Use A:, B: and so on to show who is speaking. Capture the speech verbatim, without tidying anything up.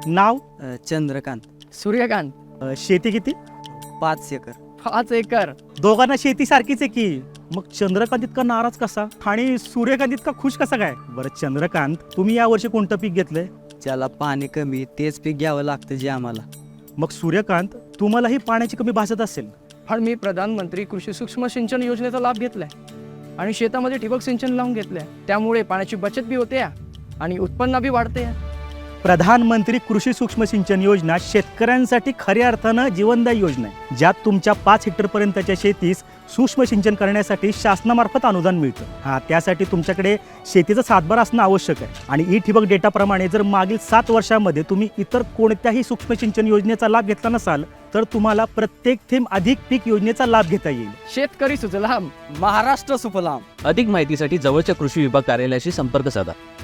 A: नाव?
B: अ, चंद्रकांत.
C: सूर्यकांत.
A: अ, शेती किती?
B: पाच एकर.
C: पाच एकर.
A: दोघांना शेती सारखीच आहे की, मग चंद्रकांत इतका नाराज कसा आणि सूर्यकांत इतका खुश कसा काय? बरं चंद्रकांत, तुम्ही या वर्षी कोणतं पीक घेतलंय?
B: ज्याला पाणी कमी तेच पीक घ्यावं लागतं जे आम्हाला.
A: मग सूर्यकांत, तुम्हालाही पाण्याची कमी भासत असेल.
C: पण मी प्रधानमंत्री कृषी सूक्ष्म सिंचन योजनेचा लाभ घेतलाय आणि शेतामध्ये ठिबक सिंचन लावून घेतलंय. त्यामुळे पाण्याची बचत बी होते आणि उत्पन्न बी वाढते.
A: प्रधानमंत्री कृषी सूक्ष्म सिंचन योजना शेतकऱ्यांसाठी खऱ्या अर्थानं जीवनदायी योजना आहे, ज्यात तुमच्या पाच हेक्टर पर्यंतच्या शेतीस सूक्ष्म सिंचन करण्यासाठी शासनामार्फत अनुदान मिळतं. हा त्यासाठी तुमच्याकडे शेतीचा सातबारा असणं आवश्यक आहे. आणि ई ठिबक डेटाप्रमाणे जर मागील सात वर्षामध्ये तुम्ही इतर कोणत्याही सूक्ष्म सिंचन योजनेचा लाभ घेतला नसाल तर तुम्हाला प्रत्येक थेंब अधिक पीक योजनेचा लाभ घेता येईल.
C: शेतकरी सुजलाम,
B: महाराष्ट्र सुफलाम.
D: अधिक माहितीसाठी जवळच्या कृषी विभाग कार्यालयाशी संपर्क साधा.